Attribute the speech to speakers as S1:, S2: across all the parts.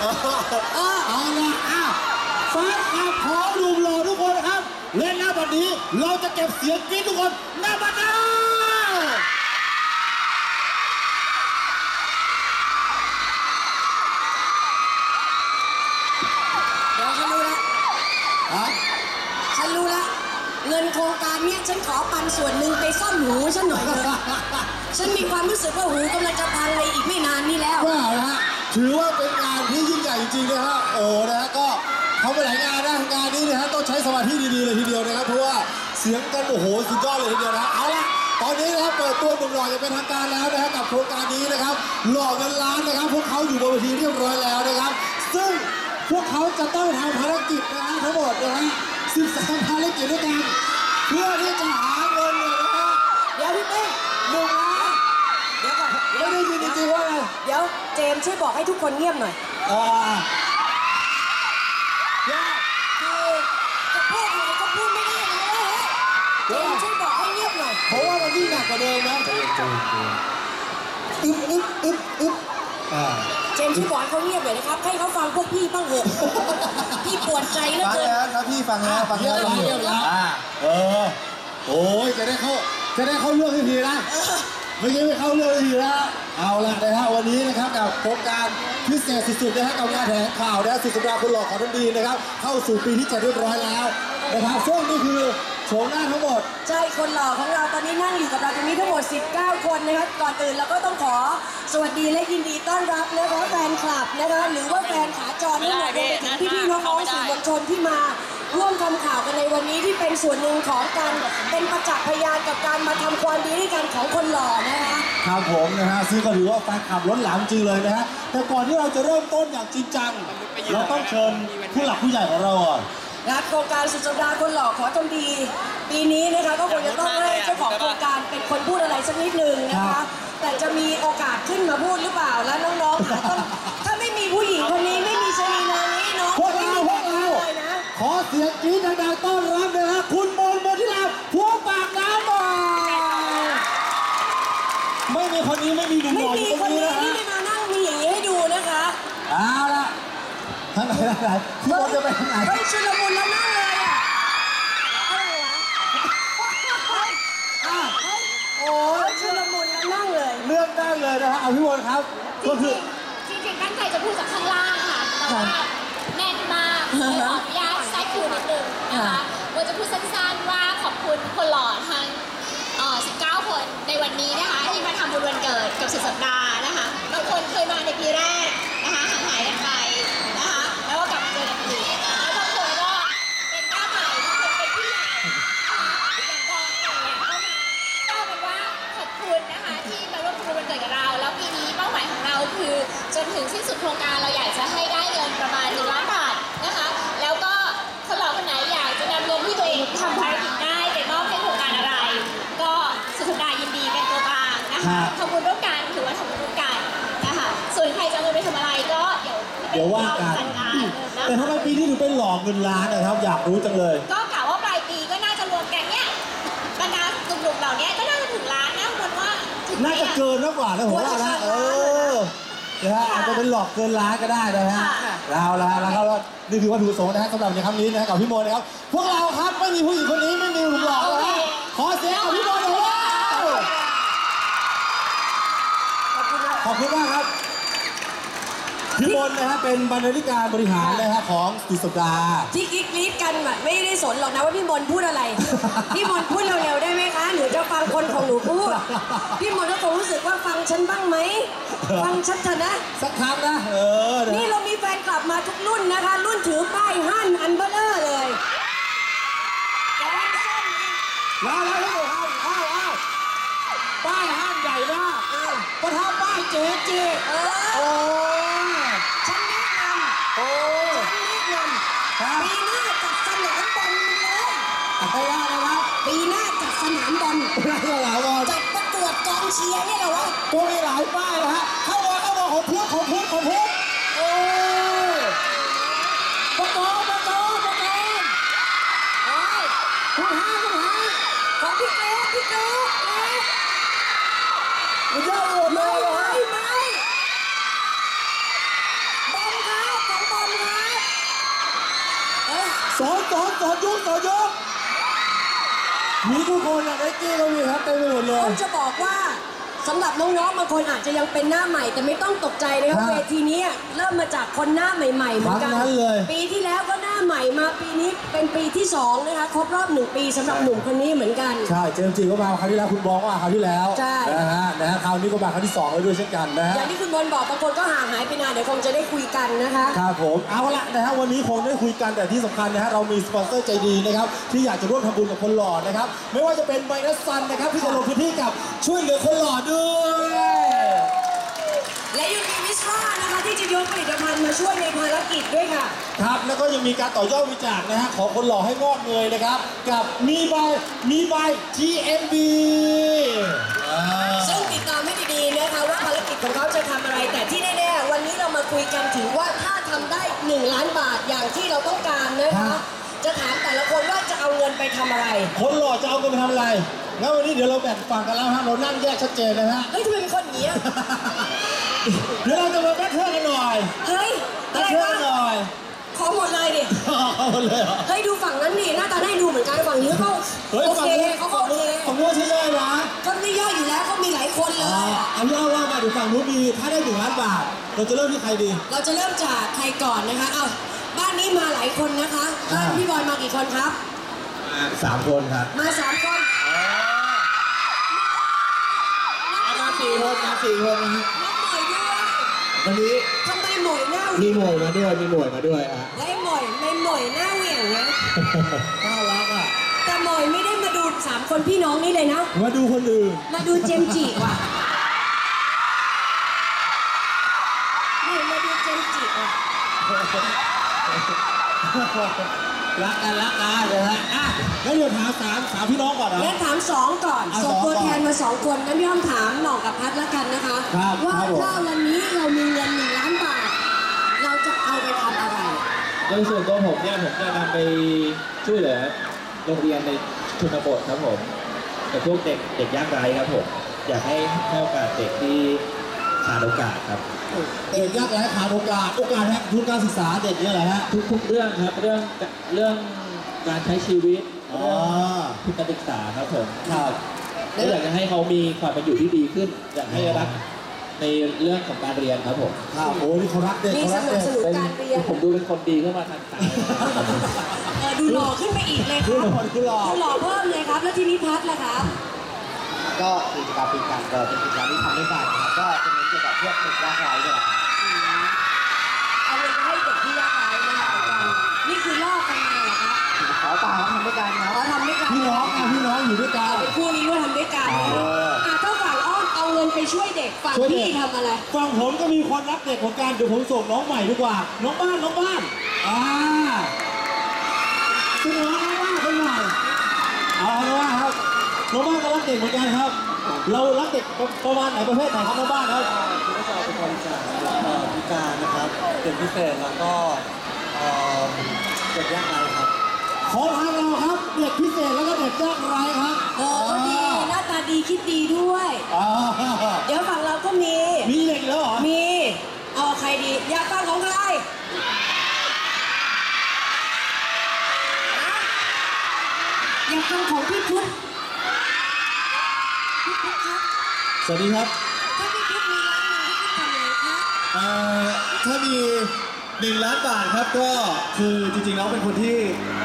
S1: เอาละแฟนคลับขอดูหล่อทุกคนครับเล่นหน้าบัดนี้เราจะเก็บเสียงกรี๊ดทุกคนหน้าบัดนี้
S2: เดี๋ยวฉันรู้แล้วฉันรู้แล้วเงินโครงการเนี้ยฉันขอปันส่วนหนึ่งไปซ่อมหูฉันหน่อยเลยฉันมีความรู้สึกว่าหูกำลังจะพังในอีกไม่นานนี้แล้ว
S1: ว้าวนะฮะถือว่าเป็นงานที่ยิ่งใหญ่จริงๆนะฮะโอ้นะฮะก็เขาไปหลายงานนะงานนี้นะฮะต้องใช้สมาธิดีๆเลยทีเดียวนะครับเพราะว่าเสียงกันโอ้โหสุดยอดเลยทีเดียวนะเอาละตอนนี้นะครับเปิดตัวหนุ่มหล่ออย่างเป็นทางการแล้วนะฮะกับโครงการนี้นะครับหล่อเงินล้านนะครับพวกเขาอยู่บนเวทีเรียบร้อยแล้วนะครับซึ่งพวกเขาจะต้องทำภารกิจนะฮะทั้งหมดนะฮะ13ภารกิจด้วยกันเพื่อที่จะหาเงินเนี่ยนะฮะ
S2: เดี๋ยวพี่เป้1 ล้านเดี๋ยวก่อน
S1: ไม่ได้ยินจริงๆว่าไง
S2: เดี๋ยวเจมส์ช่วยบอกให้ทุกคนเงียบหน่อยคือจะพูดอะไรก็พูดไม่ได้นะเจมส์ช่วยบอกให้เงียบหน่อย
S1: เพราะว่ามันยิ่งหนักกว่าเดิมนะอึ๊บ
S2: เจมส์ช่วยบอกให้เขาเงียบหน่อยนะครับให้เขาฟังพวกพี่บ้างเถอะพี่ปวดใจเหลือเกิน
S1: ฟังแล้วครับพี่ฟังแล้วเงียบแล้วโอ้ยจะได้เข้าเรื่องทีนะไม่เข้าเรื่องทีนะเอาละนะฮะวันนี้นะครับกับโครงการพิเศษสุดๆนะฮะกับงานแถลงข่าวนะสุดสัปดาห์คนหล่อของท่านดีนะครับเข้าสู่ปีที่7เรียบร้อยแล้วนะครับซึ่งนี่คือโฉมหน้าทั้งหมด
S2: ใช่คนหล่อของเราตอนนี้นั่งอยู่กับเราตรงนี้ทั้งหมด19 คนนะครับก่อนอื่นเราก็ต้องขอสวัสดีและยินดีต้อนรับนะคะแฟนคลับนะคะหรือว่าแฟนขาจรทั้งหมดรวมไปถึงพี่ๆน้องๆสื่อมวลชนที่มาร่วมทำข่าวกันในวันนี้ที่เป็นส่วนหนึ่งของการเป็นประจักษ์พยานกับการมาทำความดีด้วยกันของคนหล่อนะคะ
S1: ครับผมนะฮะซึ่งก็ถือว่าแฟนคลับล้นหลามจริงเลยนะฮะแต่ก่อนที่เราจะเริ่มต้นอย่างจริงจังเราต้องเชิญผู้หลักผู้ใหญ่ของเราก่อน
S2: นะโครงการสุดสัปดาห์คนหล่อขอทำดีปีนี้นะคะก็คงจะต้องให้เจ้าของโครงการเป็นคนพูดอะไรสักนิดนึงนะคะแต่จะมีโอกาสขึ้นมาพูดหรือเปล่าแล้วน้องๆถ้าไม่มีผู้หญิงคนนี้ไม่มีชนีนานี้น้อง
S1: พวกเราขอเสียงกรี๊ดดังๆต้อนรับนะฮะคุณมนต์ มนทิราพวงปากน้ำบ่อยไม่มีคนนี้ไม่มีหนุ่มหล่ออยู่ตรงนี้นะฮะ
S2: ไม่มานั่งมีอย่างนี้ให้ดูนะคะ
S1: เอาละทางไหนพี่มนต์จะไปทางไหน
S2: เฮ้ยชุลมุนแล้วนั่งเลยอ่ะอะไรวะโอ้ยชุลมุนแล้วนั่งเลย
S1: เลือกได้เลยนะฮะเอาพี่มนต์ครับ
S3: ก็คือจริงๆตั้งใจจะพูดจากข้างล่างค่ะแต่ว่าแน่นมากขออนุญาตแทรกคิวนิดนึงนะคะว่าจะพูดสั้นๆว่าขอบคุณคนหล่อทั้ง19 คนในวันนี้นะคะที่มาทำบุญวันเกิดกับสุดสัปดาห์นะคะบางคนเคยมาในปีแรกนะคะห่างหายกันไปนะคะแล้วก็กลับมาเจอกันอีกแล้วบางคนก็เป็นหน้าใหม่บางคนเป็นผู้ใหญ่นะคะอย่างกองอะไรอย่างเงี้ยก็เป็นว่าขอบคุณนะคะที่มาร่วมทำบุญวันเกิดกับเราแล้วปีนี้เป้าหมายของเราคือจนถึงสิ้นสุดโครงการเราอยากจะให้ได้เงินประมาณ1 ล้านบาทนะคะแล้วก็คนหล่อคนไหนอยากจะนำเงินที่ตัวเองทำภารกิจได้ไปมอบให้โครงการอะไรก็สุดสัปดาห์ยินดีเป็นตัวกลางนะคะทำบุญร่วมกันถือว่าทำบุญร่วมกันนะคะส่วนใครจะเอาเงินไปทำอะไรก็
S1: เดี๋ยวว่ากันแต่ทำไมปีนี้ถึงเป็นหลอกเงินล้านนะครับอยากรู้จังเลย
S3: ก็กะว่าปลายปีก็น่าจะรวมกันเนี่ยบรรดาหนุ่มๆเหล่านี้ก็น่าจะถึงล้านนะคนว่า
S1: น่าจะเกินมากกว่านะผมว่านะนะฮะอาจจะเป็นหลอกเกินล้านก็ได้นะฮะแล้วนี่คือวัตถุประสงค์นะฮะสำหรับในครั้งนี้นะกับพี่มนต์นะครับพวกเราครับไม่มีผู้หญิงคนนี้ไม่มีหนุ่มหล่อนะฮะขอเสียงกับพี่มนต์หน่อยขอบคุณมากครับพี่มนต์นะฮะเป็นบรรณาธิการบริหารนะฮะของสุดสัปดาห์
S2: ที่กรี๊ดกันแบบไม่ได้สนหรอกนะว่าพี่มนต์พูดอะไรพี่มนต์พูดเร็วๆได้ไหมคะหนูจะฟังคนของหนูพูดพี่มนต์ก็คงรู้สึกว่าฟังฉันบ้างไหมฟังชัดๆนะ
S1: สักครั้งนะ
S2: นี่เรามีแฟนกลับมาทุกรุ่นนะคะรุ่นถือป้ายฮั่นอันเบลเลอร์เลย
S1: แล้วป้ายห้างใหญ่มากประทับป้ายเจ๊โอ้
S2: ฉันแนะนำปีหน้าจัดสนามบอลเลยปีหน้าจัดสนามบอลจัดประกวดกองเชียร์เนี่ยเหรอวะ
S1: ตัวมีหลายป้ายนะฮะเข้ามาของพุทธโอ้ประกอบคุณห้า
S2: ของพี่เกรซ
S1: มันจะโหดเลยเหรอ
S2: ไม่บอลครับ
S1: ยุกมีทุกคนอะไนกี้ก็มีครับเต็มไปหมดเลย
S2: ผมจะบอกว่าสำหรับน้องๆบางคนอาจจะยังเป็นหน้าใหม่แต่ไม่ต้องตกใจนะครับ
S1: ครับ
S2: เวทีนี้เริ่มมาจากคนหน้าใหม่ๆเหมือนกัน
S1: ทั้งนั้นเลย
S2: ปีที่แล้วก็หน้าใหม่มาปีนี้เป็นปีที่2นะคะครบรอบ1 ปีสำหรับหนุ่มคนนี้เหมือนกัน
S1: ใช่เจมส์จีก็มาคราวที่แล้วคุณบองก็มาคราวที่แล้ว
S2: ใช่
S1: นะฮะคราวนี้ก็มาคราวที่2แล้วด้วยเช่นกันนะฮะ
S2: อย่างที่คุณบอลบอกบางคนก็ห่างหายไปนานเดี๋ยวคงจะได้คุยกันนะคะ
S1: ครับผมเอาละนะฮะวันนี้คงได้คุยกันแต่ที่สำคัญนะฮะเรามีสปอนเซอร์ใจดีนะครับที่อยากจะร่วมทำบุญกับคนหล่อนะครับไม่ว่าจะเป็นไบนัสซันนะครับที่จะลงพื้นที่กับช่วยเหลือคนหล่อด้วย
S2: และยังมีวิสรานะคะที่จะยกผลิตภัณฑ์มาช่วยในภารกิจด้วยค่ะ
S1: ครับแล้วก็ยังมีการต่อยอดวิจารณ์นะฮะของคนหล่อให้งอกเงยนะครับกับมีบาย TMB
S2: ซึ่งติดตามให้ดีๆนะคะว่าภารกิจของเขาจะทำอะไรแต่ที่แน่ๆวันนี้เรามาคุยกันถึงว่าถ้าทำได้1 ล้านบาทอย่างที่เราต้องการนะคะจะถามแต่ละคนว่าจะเอาเงินไปทำอะไร
S1: คนหล่อจะเอาเงินไปทำอะไรงั้นวันนี้เดี๋ยวเราแบ่งฝั่งกันแล้วฮะเรานั่งแยกชัดเจนนะฮะ
S2: เฮ้ยทำไมเป็นคนอย่างนี้อะ
S1: เดี๋ยวเราจะมาแบทเทิลกันหน่อย
S2: เฮ้ย
S1: แบ
S2: อะ
S1: ท
S2: ไร
S1: เทิล
S2: วะ
S1: กันหน่อย
S2: ขอหมดเลยดิ
S1: เอาเลยเหรอ
S2: เฮ้ยดูฝั่งนั้นดิหน้าตาได้ดูเหมือนกันฝั่งนี้เขา
S1: เฮ้ย
S2: โอ
S1: ฝั่ง
S2: เค
S1: นู้น
S2: เขาก็
S1: ฝั่ง
S2: โอ
S1: นู้
S2: เคน
S1: ฝั่งนู้นใช่ย่อยนะ
S2: ก็ไม่ย่อยอยู่แล้วเขามีหลายคนเลย
S1: เอาเล่ามาเดี๋ยวฝั่งนู้นมีถ้าได้1 ล้านบาทเราจะเริ่มที่ใครดี
S2: เราจะเริ่มจากใครก่อนนะคะเอาบ้านนี้มาหลายคนนะคะบ้านพี่บอยมากี่คนครับ
S1: 3 คนครับ
S2: มา3 คน
S1: มา4 คนนะฮะ
S2: น้องหมวยด้วย
S1: วันนี้
S2: ทำไมหมวยหน้าเห
S1: มี
S2: วี่ยง
S1: หน่วยมาด้วยอ่ะ
S2: และไอ้หมวยไม่หมวยหน้าเหวี่ยงนะ
S1: น่ารักอ่ะ
S2: แต่หมวยไม่ได้มาดู3 คนพี่น้องนี่เลยนะ
S1: มาดูคนอื่น
S2: มาดูเจมส์จิว่ะหมวยมาดูเจมส์จิว่ะ
S1: รักกันเลยฮะอ่ะแล้วเดี๋ยวถามสามพี่น้องก่อนนะ
S2: งั้นถาม2ก่อน
S1: เอา
S2: ส่งตัว
S1: 2ก่อน
S2: แทนมา2 คนงั้นพี่อ้อมถามหน่องกับพัดละกันนะคะ
S1: ครับ
S2: ว่า
S1: ครับผม
S2: ถ้าวันนี้เรามีเงิน1 ล้านบาท เราจะเอาไปทำอะไร
S4: โดยส่วนตัวผมเนี่ยผมจะนำไปช่วยเหลือโรงเรียนในชนบทครับผมกับพวกเด็กยากไร้ครับผมอยากให้โอกาสเด็กที่ขาดโอกาสครับ
S1: เด็กยากไร้ขาดโอกาสฮะทุนการศึกษาเด็กเนี่ยแหละฮะ
S4: ทุกเรื่องครับเรื่องการใช้ชีวิต
S1: อ๋อ
S4: เรื่องทุนการศึกษาครับผม
S1: ครับ
S4: และอยากจะให้เขามีความเป็นอยู่ที่ดีขึ้น อยากให้รักในเรื่องของการเรียนครับผม
S1: ครับโอ้นี่เขารักเด็ก
S2: มี
S1: เขา
S2: ส
S1: รัก
S2: นับ
S1: เด็ก
S2: สนุนการเรียน
S4: ผมดูเป็นคนดีขึ้นมาทันตา
S2: ดูหล่อขึ้นไปอีกเลยครับ
S1: คือหล่อ
S2: ดูหล่อเพิ่มเลยครับ แล้วทีนี้พัดล่ะครับ
S5: ก็กิจกรรมปีกันก็เป็นกิจกรรมที่ทำด้วยกันนะครับก็จะเน้นเกี่ยวกับพวกเด็กยากไร้นี่แหละครับ
S2: เอาเงินไปให้เด็กที่ยากไร้นะคะอาจารย์นี่คือลอกกันมาเหรอครับ
S5: ขอเปล่าทำด้วยกันครับ
S2: เราทำด้วยกัน
S1: พี่น้องอยู่ด้วยกัน
S2: เป็นคู่นี้ด้วยทำด้วยกัน
S1: อ๋อ
S2: ถ้าฝั่งอ้อมเอาเงินไปช่วยเด็กฝั่ง
S1: ช่วยเด็ก
S2: พี่ทำอะไร
S1: ฝั่งผมก็มีคนรักเด็กเหมือนกันเดี๋ยวผมส่งน้องใหม่ดีกว่า น้องบ้านซึ่งน้องบ้านคนใหม่เอาน้องบ้านครับน้องบ้านก็รักเด็กเหมือนกันครับ เรารักเด็กประมาณไหนประเภทไหนครับน้องบ้านครับ
S5: คือก็จะเป็นบริจาคพิการนะครับเด็กพิเศษแล้วก็เด็กยากไร้ครับ
S1: ของทางเราครับเด็กพิเศษแล้วก็เด็กยากไร้ครับ
S2: เออดี หน้าตาดีคิดดีด้วย
S1: อ๋อ
S2: เดี๋ยวฝั่งเราก็มี
S1: มีเด็กแล้วเหรอ
S2: มี เอาใครดี อยากฟังของใครอยากฟังของพี่พุทธพี่พุทธครับ
S1: สวัสดีครับ
S2: ถ้าพี่พุทธมีร้านหนึ่งพี่พุทธทำอะไรครับ
S5: ถ้ามี1 ล้านบาทครับก็คือจริงๆแล้วเป็นคนที่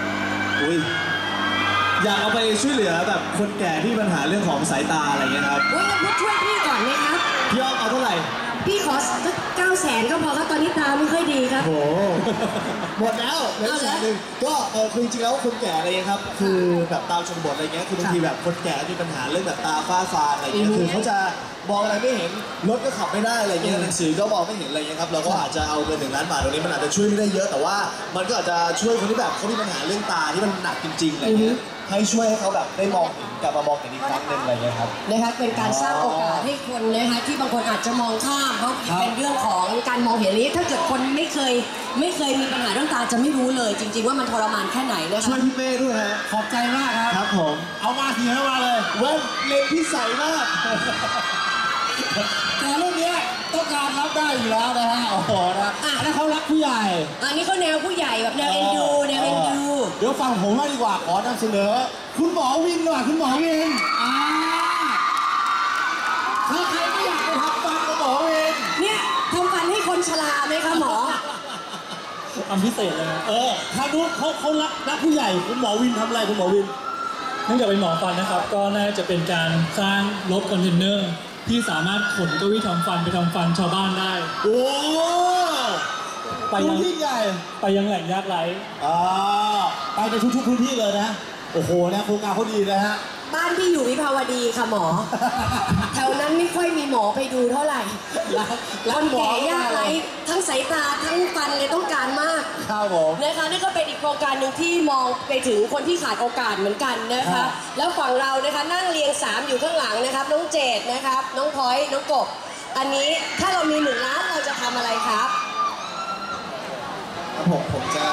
S5: อยากเอาไปช่วยเหลือแบบคนแก่ที่มีปัญหาเรื่องของสายตาอะไรเงี้ยครับ
S2: โอ้ยงั้นพุทธช่วยพี่ก่อนไหมครับ
S5: พี่อ้อมเอาเท่าไหร่
S2: พี่ขอสัก900,000ก็พอครับตอนนี้ตาไม่ค่อยดีครับ
S5: โอ้หมดแล้วเหลือ
S2: เอา
S5: แส
S2: แล้ว
S5: นหนึ่งก็คือจริงๆแล้วคนแก่อะไรเงี้ยครับคือแบบตามชนบทอะไรเงี้ยคือบางทีแบบคนแก่มีปัญหาเรื่องแบบตาฝ้าฟางอะไรเงี้ยคือเขาจะมองอะไรไม่เห็นรถก็ขับไม่ได้อะไรเงี้ยหนังสือก็มองไม่เห็นอะไรเงี้ยครับเราก็อาจจะเอาเงิน1 ล้านบาทตรงนี้มันอาจจะช่วยไม่ได้เยอะแต่ว่ามันก็อาจจะช่วยคนที่แบบเขามีปัญหาเรื่องตาที่มันหนักจริงๆอะไรเงี้ยให้ช่วยให้เขาแบบได้มองเห็นกลับมามองเห็นอีกครั้งหนึ่งอะไรเงี้ยครับ
S2: นะคะเป็นการสร้างโอกาสให้คนนะคะที่บางคนอาจจะมองข้ามเพราะเป็นเรื่องของการมองเห็นนี้ถ้าเกิดคนไม่เคยมีปัญหาเรื่องตาจะไม่รู้เลย จริง ๆ ว่ามันทรมานแค่ไหนนะ
S5: ช่ว
S2: คะ
S5: ยพี่เป้ด้วยฮะ
S1: ขอบใจมากครับ
S5: ครับผม
S1: เอามาสิให้มาเลย
S5: เว้นเล็งพี่ใสมาก
S1: แต่เรื่องเนี้ยต้องการรับได้อยู่แล้วนะฮะ โอ้โหนะอันนั้นเขารักผู้ใหญ่
S2: อันนี้เขาแนวผู้ใหญ่แบบแนวเอ็นดูแนวเอ็นดู
S1: เดี๋ยวฟังผมมากดีกว่าขอนำเสนอ คุณหมอวินหน่อยคุณหมอวินถ้าใครไม่อยากไปทำฟันกับหมอวิน
S2: เนี่ยทำฟันให้คนชราไหมคะหมอ
S6: ทำพิเศษเลยนะ
S1: ถ้าดูเขารักผู้ใหญ่คุณหมอวินทำอะไรคุณหมอวิน
S6: เนื่องจากเป็นหมอฟันนะครับ ก็น่าจะเป็นการสร้างรถคอนเทนเนอร์ที่สามารถขนเก้าอี้ทำฟันไปทำฟันชาวบ้านได้
S1: โอ้
S6: ไป
S1: ดู
S6: ยัง
S1: ยิ่งใหญ่
S6: ไปยังแหล่งยากไร้
S1: ไปในทุกๆพื้นที่เลยนะ โอ้โหนะโครงการเขาดีนะฮะ
S2: บ้านที่อยู่วิภาวดีค่ะหมอ แถวนั้นไม่ค่อยมีหมอไปดูเท่าไหร่คนแก่ยากไร้ทั้งสายตาทั้งฟันเลยต้องการมาก
S1: ครับผม
S2: นะคะนี่ก็เป็นอีกโครงการหนึ่งที่มองไปถึงคนที่ขาดโอกาสเหมือนกันนะ
S1: ครั
S2: คะ
S1: บ
S2: แล้วฝั่งเรานะคะนั่งเรียง3อยู่ข้างหลังนะครับน้องเจดนะครับน้องพลอยน้องกบอันนี้ถ้าเรามี1 ล้านเราจะทำอะไรครับ
S5: ครับผมจะ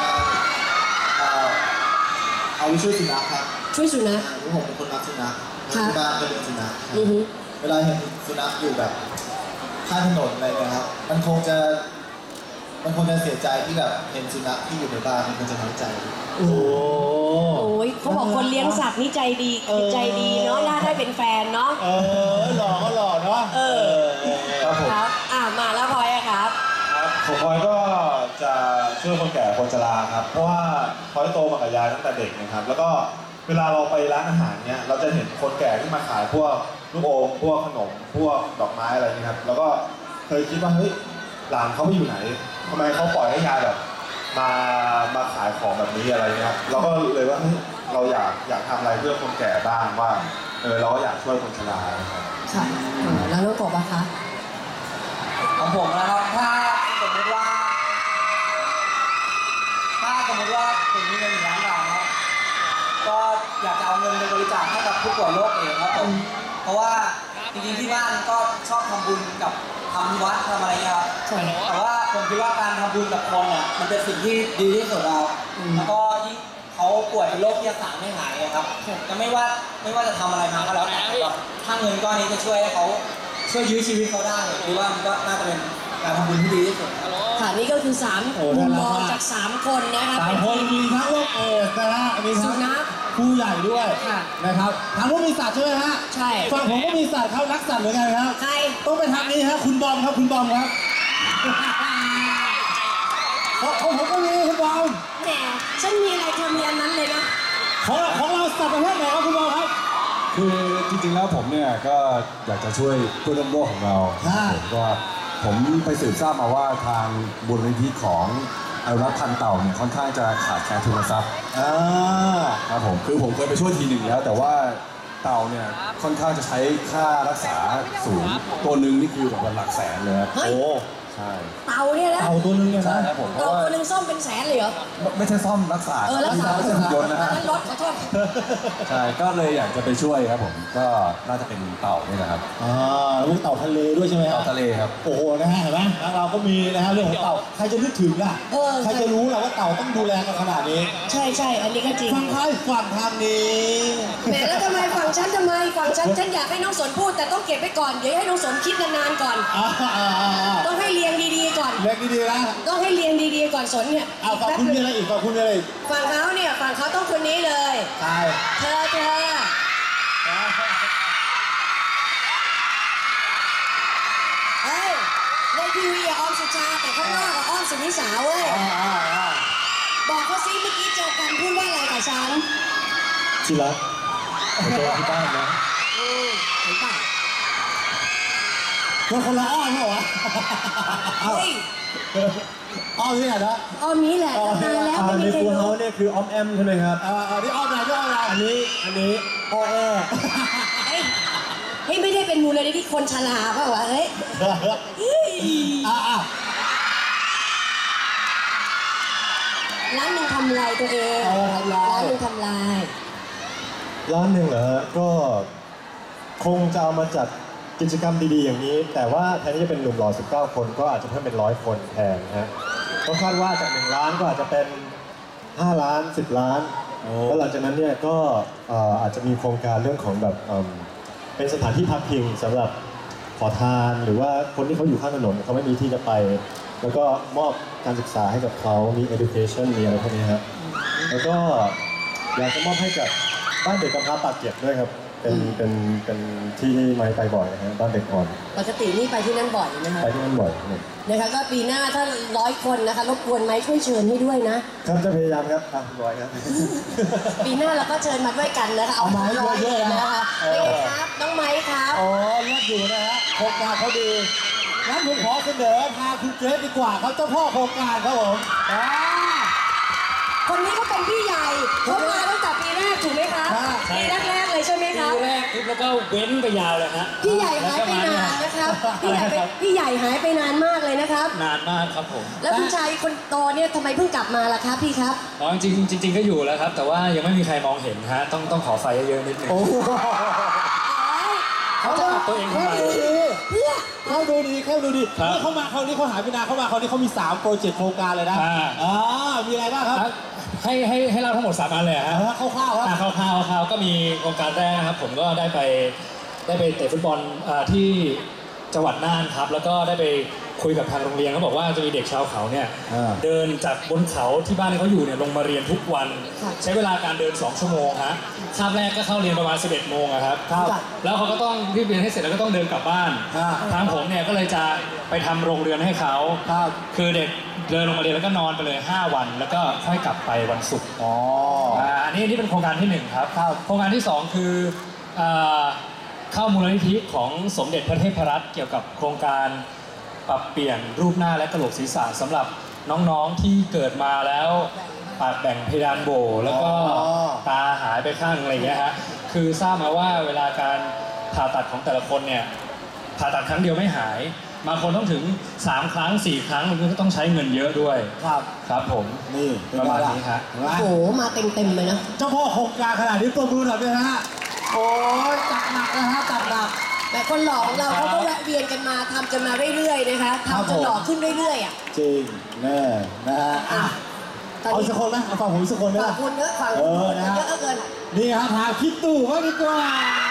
S5: เอาไปช่วยสุนัขครับ
S2: ช่วยสุนัข
S5: เพราะผมเป็นคนรักสุนัข
S2: ค่ะ
S5: ที่บ้านก็เลี้ยงสุนัข
S2: อือฮึ
S5: เวลาเห็นสุนัขอยู่แบบข้างถนนอะไรเนะครับ มันคงจะเสียใจที่แบบเห็นสุนัขที่อยู่ในบ้านมันคงจะน้อยใจ
S1: โอ้โห
S2: โอ้ยเขาบอกคนเลี้ยงสัตว์นี่ใจดีใจดีเนาะน่าได้เป็นแฟนเนาะ
S1: หล่อก็หล่อเนาะ
S5: ครับผม
S2: ครับมาแล้วพลอยอะครับ
S7: ผมพลอยก็จะช่วยคนแก่คนชราครับ เพราะว่าพลอยโตมากับยายตั้งแต่เด็กนะครับ แล้วก็เวลาเราไปร้านอาหารเนี่ยเราจะเห็นคนแก่ที่มาขายพวกลูกอมพวกขนมพวกดอกไม้อะไรนี่ครับแล้วก็เคยคิดว่าเฮ้ยหลานเขาไปอยู่ไหนทำไมเขาปล่อยให้ยายแบบมาขายของแบบนี้อะไรเงี้ยครับเราก็เลยว่าเฮ้ยเราอยากทำอะไรเพื่อคนแก่บ้างว่าเราก็อยากช่วยคนชราครับ
S2: ค่ะแล้วน้องกบอะคะ
S8: ของผมนะครับถ้าสมมติว่าผมมีเงิน1 ล้านบาทครับก็อยากจะเอาเงินไปบริจาคให้กับผู้ป่วยโรคเอดส์ครับผมเพราะว่าจริงๆที่บ้านก็ชอบทำบุญกับทำวัดทำอะไรเงี้ยครับแต่ว่าผมคิดว่าการทำบุญกับคนเนี่ยมันเป็นสิ่งที่ดีที่สุดแล้วแล้วก็ยิ่งเขาป่วยเป็นโรคที่รักษาไม่หายครับจะไม่ว่าจะทำอะไรมาก็แล้วแต่ครับถ้าเงินก้อนนี้จะช่วยให้เขาช่วยยื้อชีวิตเขาได้หรือว่ามันก็น่าจะเป็นการทำบุญที่ดีที่สุดครับ
S2: ค่ะนี่ก็คือ3มุมมองจาก3คนนะคะ
S1: สามคนมีทั้งโรคเอดส์นะฮะมีทั้
S2: สุ
S1: ง
S2: นัข
S1: ผู้ใหญ่ด้วย
S2: ค่ะ
S1: นะครับทางนู้นมีสัตว์ใช่ไหมฮะ
S2: ใช่
S1: ฝั่งผมก็มีสัตว์ครับรักสัตว์เหมือนกันครับ
S2: ใคร
S1: ต้องไปทางนี้ฮะคุณบอมครับคุณบอมครับของผมก็มีคุณบอม
S2: แหมฉันมีอะไรเธอมีอันนั้นเลยนะ
S1: ของเราสัตว์ประเภทไหนครับคุณบอมครับ
S7: คือจริงๆแล้วผมเนี่ยก็อยากจะช่วยเพื่อนร่วมโลกของเรา ผมไปสืบทราบมาว่าทางมูลนิธิของอนุรักษ์พันธุ์เต่าเนี่ยค่อนข้างจะขาดแคลนทุนทรัพย์ครับผมคือผมเคยไปช่วยทีหนึ่งแล้ว แต่ว่าเต่าเนี่ยค่อนข้างจะใช้ค่ารักษาสูงตัวหนึ่งนี่คือแบบหลักแสนเลยครับ
S2: เฮ้ย
S7: ใช่
S2: เต่าเนี่ยนะ
S1: เอาตัวนึงเนี่ย
S7: ใช่
S1: นะครับ
S7: ผมเพ
S2: เต่า
S7: ราะว่า
S2: ตัวหนึ่งซ่อมเป็นแสนเลยเหรอ
S7: ไม่ใช่ซ่อมรักษา
S2: รักษา
S7: ไม่ใช่หุ่นยนต์นะฮะ
S2: นั้นรถขอโทษ
S7: ใช่ก็เลยอยากจะไปช่วยครับผมก็น่าจะเป็นเต่านี่แหละครับ
S1: ลูกเต่าทะเลด้วยใช่ไหมฮะ
S7: เต่าทะเลครับ
S1: โอ้โหนะฮะเห็นไหมแล้วเราก็มีนะฮะเรื่องของเต่าใครจะนึกถึงล่ะ
S2: เออ
S1: ใครจะรู้ล่ะว่าเต่าต้องดูแลกันขนาดนี้
S2: ใช่อันนี้ก็จริง
S1: ฝั่งใครฝั่งทางนี้
S2: แหมแล้วทำไมฝั่งฉันฉันอยากให้น้องสนพูดแต่ต้องเก็บไว้ก่อนเดี๋ยวให้น้องสนคิดนานๆก่อน ต้องให้เรียงดีๆก่อน
S1: เล็กดีๆนะ
S2: ต้องให้เรียงดีๆก่อนสนเนี่ย
S1: เอาฝั่งคุณมีอะไรอีกฝั่งคุณมีอะไรอีก
S2: ฝั่งเขาต้องคนนี้เลย
S1: ใช่
S2: เธอเอ้ยในทีวีอะออมสุชาแต่ข้างนอกอะอ้อมสุนิสาเว้ยบอกเขาซิเมื่อกี้เจอกันพูดว่าอะไรกับฉัน
S1: ที่รักเจอที่บ้านนะ
S2: เห็นป่ะ
S1: คนละอ้อมเหรอวะ
S2: เฮ้ย
S1: อ้อมที่ไหนนะ
S2: อ้อมนี้แหละตั้งนานแล้วไม่มีใครรู้
S1: เนี่ยคืออ้อมแอมใช่ไหมครับนี่อ้อมไหนที่อ้อมอะไรอันนี้อ้อแอ
S2: เฮ้ยไม่ได้เป็นมูลนิธิคนชราเปล่าวะเฮ้ยร้านหนึ่งทำลายตัวเองร้านหนึ่งทำลาย
S9: ร้านหนึ่งเหรอฮะก็คงจะเอามาจัดกิจกรรมดีๆอย่างนี้ แต่ว่าแทนที่จะเป็นหนุ่มหล่อ19 คนก็อาจจะเพิ่มเป็น100 คนแทนนะฮะก็คาดว่าจาก1 ล้านก็อาจจะเป็น5 ล้าน10 ล้านแล้วหลังจากนั้นเนี่ยก็อาจจะมีโครงการเรื่องของแบบเป็นสถานที่พักพิงสำหรับขอทานหรือว่าคนที่เขาอยู่ข้างถนนเขาไม่มีที่จะไป แล้วก็มอบการศึกษาให้กับเขามี education มีอะไรพวกนี้ฮะแล้วก็อยากจะมอบให้กับบ้านเด็กกำพร้าปากเกร็ดด้วยครับเป็นที่ไม้ไปบ่อยนะฮะบ้านเด็กอ่อน
S2: ปกตินี่ไปที่นั่นบ่อยนะคะ
S9: ไปที่นั่นบ่อยเนี่ย
S2: นะคะก็ปีหน้าถ้า100 คนนะคะรบกวนไหมช่วยเชิญให้ด้วยนะครับ
S9: จะพยายามครับร้อยครับ
S2: ปีหน้าเราก็เชิญมาด้วยกันนะคะเอามาร้อยเลยนะคะเป็นไงครับน้องไม้ครับ
S1: อ๋อเลือกอยู่นะฮะโครงการเขาดีงั้นผมขอเสนอทางคุณเกรซดีกว่าครับเจ้าพ่อโครงการครับผม
S2: คนนี้ก็เป็นพี่ใหญ่เขามาตั้งแต่ปีแรกถูกไหมคะปีแรกๆเลยใช่ไหมคะ
S6: ปีแรกปุ๊บแล้วก็เว้นไปยาวเลยฮะ
S2: พี่ใหญ่หายไปนานนะครับพี่ใหญ่หายไปนานมากเลยนะครับ
S6: นานมากครับผม
S2: แล้วคุณชายคนโตเนี่ยทำไมเพิ่งกลับมาล่ะครับพี่ครับ
S6: อ๋อจริงก็อยู่แล้วครับ แต่ว่ายังไม่มีใครมองเห็นฮะต้องขอไฟเยอะๆนิดนึง เขาจะปรับตัวเองทำไม
S1: เข้าดูดีนี่เขามาคราวนี้เขาหายไปนานเขามาคราวนี้เขามี3โปรเจกต์โครงการเลยนะมีอะไรบ้างครับ
S6: ให้เราทั้งหมด3 อันเลยฮะ
S1: คร่าวๆครับ
S6: คร่าวๆก็มีโครงการแรกนะครับผมก็ได้ไปเตะฟุตบอลที่จังหวัดน่านครับแล้วก็ได้ไปคุยกับทางโรงเรียนเขาบอกว่าจะมีเด็กชาวเขาเนี่ยเดินจากบนเขาที่บ้านเขาอยู่เนี่ยลงมาเรียนทุกวันใช้เวลาการเดิน2 ชั่วโมงฮะคาบแรกก็เข้าเรียนประมาณ 11 โมงครับแล้วเขาก็ต้องรีบเรียนให้เสร็จแล้วก็ต้องเดินกลับบ้านทางผมเนี่ยก็เลยจะไปทำโรงเรือนให้เขาคือเด็กเดินลงมาเรียนแล้วก็นอนไปเลย5 วันแล้วก็ค่อยกลับไปวันศุกร์อันนี้เป็นโครงการที่1ครับโครงการที่2คือเข้ามูลนิธิของสมเด็จพระเทพรัตน์เกี่ยวกับโครงการปรับเปลี่ยนรูปหน้าและกระโหลกศีรษะสำหรับน้องๆที่เกิดมาแล้วปากแบ่งเพดานโหวแล้วก็ตาหายไปข้างอะไรเงี้ยฮะคือทราบมาว่าเวลาการผ่าตัดของแต่ละคนเนี่ยผ่าตัดครั้งเดียวไม่หายบางคนต้องถึง3 ครั้ง 4 ครั้งมันก็ต้องใช้เงินเยอะด้วยครับผมนี่ประมาณนี้ฮะ
S2: โอ้โหมาเต็มเลยนะ
S1: เจ้าพ่อโครงการขนาดนี้ตัวมือหน่อยนะฮะโอ้ยจัดหนักนะฮะจัดหนัก
S2: แต่คนหล่อของเราเขาก็แวะเวียนกันมาทำกันมาเรื่อยๆนะคะทำจนหล่อขึ้นเรื่อยๆอ่ะ
S1: จริงแน่นะฮะเอาสักคนไหมเอาฟังผมสักคนไหมล่ะ
S2: ฝั่งคุณเยอะฝั่งคุณเยอะเกิน
S1: นี่ฮะทางคิดตู่ว่าดีกว่า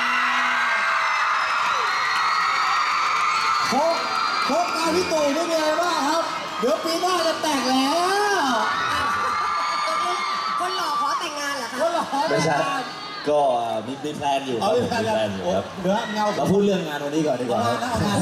S1: โครงการพี่ตู่ไม่มีอะไรมากครับเดี๋ยวปีหน้าจะแต่งแล้ว
S2: คนหล่อขอแต่งงานเหรอคะ
S1: คนหล่อ
S5: ไม่ใช่ก็มีแพลนอยู่ครับมีแพลนอยู่ครับเราพูดเรื่องงานวันนี้ก่อนดีกว่าครับ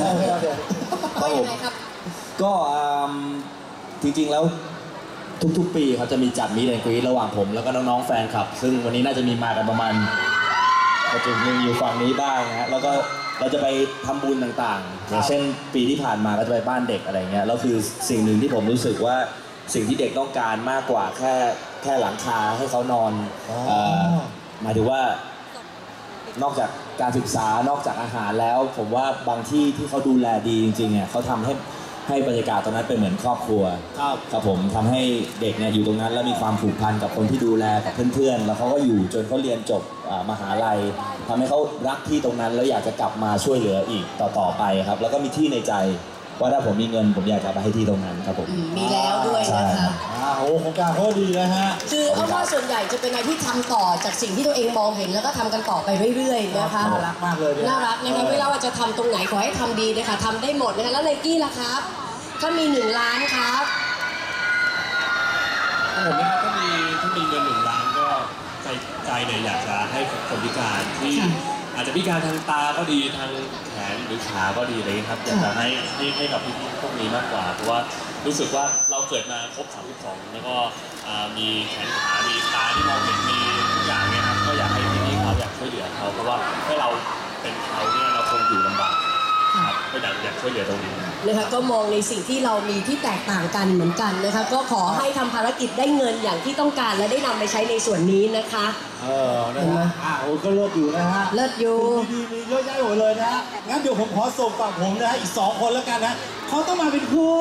S5: ก็จริงๆแล้วทุกๆปีเขาจะมีจัดมีแอนด์กรี๊ดระหว่างผมแล้วก็น้องๆแฟนคลับซึ่งวันนี้น่าจะมีมากันประมาณประจุหนึ่งอยู่ฝั่งนี้บ้างนะฮะแล้วก็เราจะไปทำบุญต่างๆอย่างเช่นปีที่ผ่านมาก็จะไปบ้านเด็กอะไรเงี้ยแล้วคือสิ่งหนึ่งที่ผมรู้สึกว่าสิ่งที่เด็กต้องการมากกว่าแค่หลังคาให้เขานอนหมายถึงว่านอกจากการศึกษานอกจากอาหารแล้วผมว่าบางที่ที่เขาดูแลดีจริงๆเนี่ยเขาทำให้บรรยากาศตรงนั้นเป็นเหมือนครอบครัวครับผมทำให้เด็กเนี่ยอยู่ตรงนั้นแล้วมีความผูกพันกับคนที่ดูแลกับเพื่อนๆแล้วเขาก็อยู่จนเขาเรียนจบมหาลัยทำให้เขารักที่ตรงนั้นแล้วอยากจะกลับมาช่วยเหลืออีกต่อไปครับแล้วก็มีที่ในใจว่าถ้าผมมีเงินผมอยากจะไปให้ที่ตรงนั้นครับผม
S2: มีแล้วด้วยนะคะ
S1: โอ้โครงการเขาดีนะฮะ
S2: คือเพราะว่าส่วนใหญ่จะเป็นอะไรที่ทำต่อจากสิ่งที่ตัวเองมองเห็นแล้วก็ทำกันต่อไปเรื่อยๆนะคะ
S1: น่ารักมากเลย
S2: น่ารักนะคะไม่ว่าจะทำตรงไหนขอให้ทำดีนะคะทำได้หมดนะคะแล้วไนกี้ล่ะครับถ้ามี1 ล้านครับ
S10: ผมนะครับถ้ามีเงิน1 ล้านก็ใจเนี่ยอยากจะให้คนพิการที่อาจจะพิการทางตาก็ดีทางแขนหรือขาก็ดีอะไรครับอยากจะให้กับพี่พวกนี้มากกว่าเพราะว่ารู้สึกว่าเราเกิดมาครบ32แล้วก็มีแขนขามีตาที่มองเห็นมีทุกอย่างเนี่ยครับก็อยากให้พี่เขาอยากช่วยเหลือเขาเพราะว่าถ้าเราเป็นเขาเนี่ยเราคงอยู่ลำบากก็อยากช่วยเหลือตรงนี้
S2: นะคะก็มองในสิ่งที่เรามีที่แตกต่างกันเหมือนกันนะคะก็ขอให้ทำภารกิจได้เงินอย่างที่ต้องการและได้นำไปใช้ในส่วนนี้นะคะ
S1: นะฮะก็เลิศอยู่นะฮะ
S2: เลิศอยู่
S1: ดีมีเยอะแยะหมดเลยนะฮะงั้นเดี๋ยวผมขอส่งฝั่งผมนะฮะอีก2 คนแล้วกันนะเขาต้องมาเป็นคู่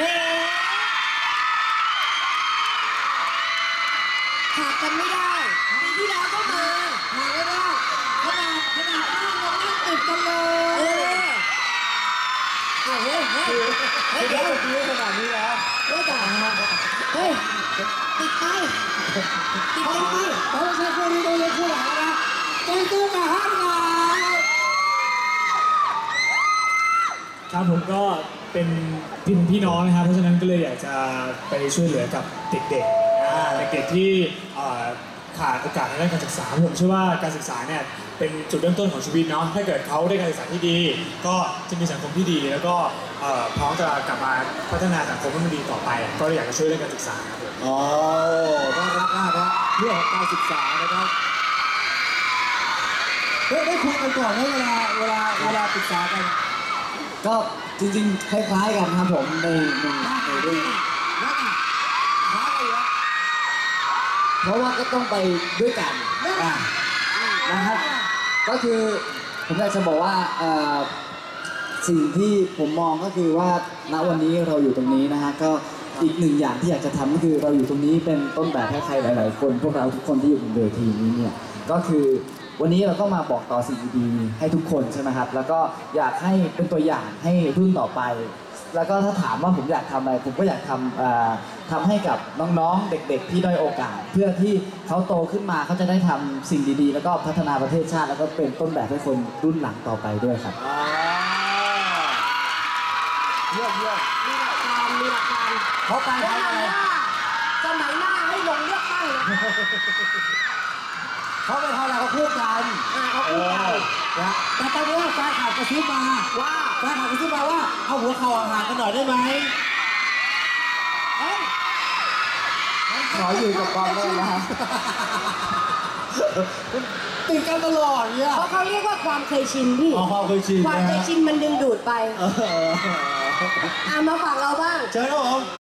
S2: ขาดกันไม่ได้ปีที่แล้วก็มา
S1: ขาดไม่ได้ขนาดนั่งติดกันเลยเดี๋ยวตีขนาดนี้แล้ว
S2: เฮ้ยติดไป
S1: เราใช้คู่นี้ต้องเล่นคู่หลังนะต้องตู้มาห้ามเรา
S6: ครับผมก็เป็นพี่น้องนะครับเพราะฉะนั้นก็เลยอยากจะไปช่วยเหลือกับเด็กเด็กๆที่ขาดโอกาสในด้านการศึกษาผมเชื่อว่าการศึกษาเนี่ยเป็นจุดเริ่มต้นของชีวิตเนาะถ้าเกิดเขาได้การศึกษาที่ดี ก็จะมีสังคมที่ดีแล้วก็พร้อมจะกลับมาพัฒนาสังคมให้มันดีต่อไปก็อยากจะช่วยเรื่องการศึกษาครับผม
S1: อ๋อน่ารักมากนะเรื่องของการศึกษานะครับได้คุยกันก่อนไหมเวลาปรึกษากัน
S8: ก็จริงๆคล้ายๆกันครับผมในเรื่องเพราะว่าก็ต้องไปด้วยกันนะครับก็คือผมอยากจะบอกว่าสิ่งที่ผมมองก็คือว่าณวันนี้เราอยู่ตรงนี้นะฮะก็อีกหนึ่งอย่างที่อยากจะทำก็คือเราอยู่ตรงนี้เป็นต้นแบบให้ใครหลายๆคนพวกเราทุกคนที่อยู่บนเวทีนี้เนี่ยก็คือวันนี้เราก็มาบอกต่อสิ่งดีๆให้ทุกคนใช่ไหมครับแล้วก็อยากให้เป็นตัวอย่างให้รุ่นต่อไปแล้วก็ถ้าถามว่าผมอยากทำอะไรผมก็อยากทำให้กับน้องๆเด็กๆที่ด้อยโอกาสเพื่อที่เขาโตขึ้นมาเขาจะได้ทำสิ่งดีๆแล้วก็พัฒนาประเทศชาติแล้วก็เป็นต้นแบบให้คนรุ่นหลังต่อไปด้วยครับ
S1: เยี่ยมมีหลักการเขาไปทำอะไร
S2: สมัยหน้าให้ลงเลือกตั้งเลย
S1: เขาไปทำอะไรเขาพูดกันเขาพูดกันนะแต่ตอนนี้แฟนข่าวกระซิบมาว่าเอาหัวเข่าห่างๆกันหน่อยได้ไหม
S8: ขออยู่กับกองได้นะครับ
S1: ติดกันตลอดเนี่ย
S2: เพราะเขาเรียกว่าความเคยชินพี่
S1: ความเคยชิน
S2: ความเคยชินมันดึงดูดไปมาฝั่งเราบ้าง
S1: เชิญครับผม